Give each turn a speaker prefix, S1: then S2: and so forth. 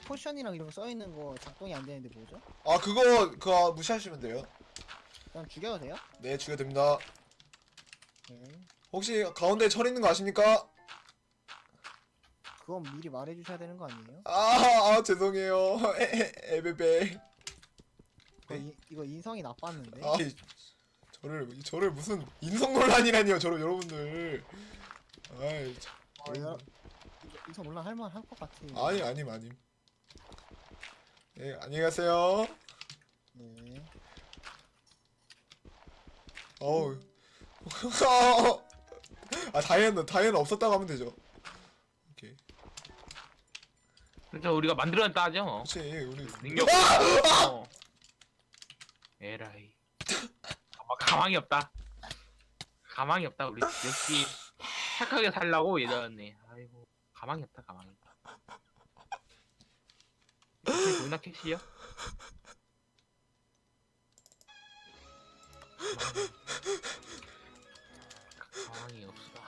S1: 포션이랑 이런 거 써있는 거 작동이 안 되는데 뭐죠?
S2: 아 그거 무시하시면 돼요.
S1: 그냥 죽여도 돼요?
S2: 네 죽여됩니다.
S1: 네.
S2: 혹시 가운데 철 있는 거 아십니까?
S1: 그건 미리 말해주셔야 되는 거 아니에요?
S2: 죄송해요. 에베베.
S1: 이거 인성이 나빴는데?
S2: 저를 무슨 인성 논란이라니요, 여러분들. 아이, 참.
S1: 이거 인성 논란 할만 할 것 같아.
S2: 아님. 예, 안녕히 가세요.
S1: 네.
S2: 어우. 다이애는 없었다고 하면 되죠. 오케이.
S3: 그러니까 우리가 만들어냈다 하죠.
S2: 그렇지, 우리.
S3: 능력. 어. 에라이. 가망이 없다. 가망이 없다. 우리 역시 착하게 살라고 예전에. 아이고 가망이 없다. 가망이. 보이나 캐시요? 가망이 없어.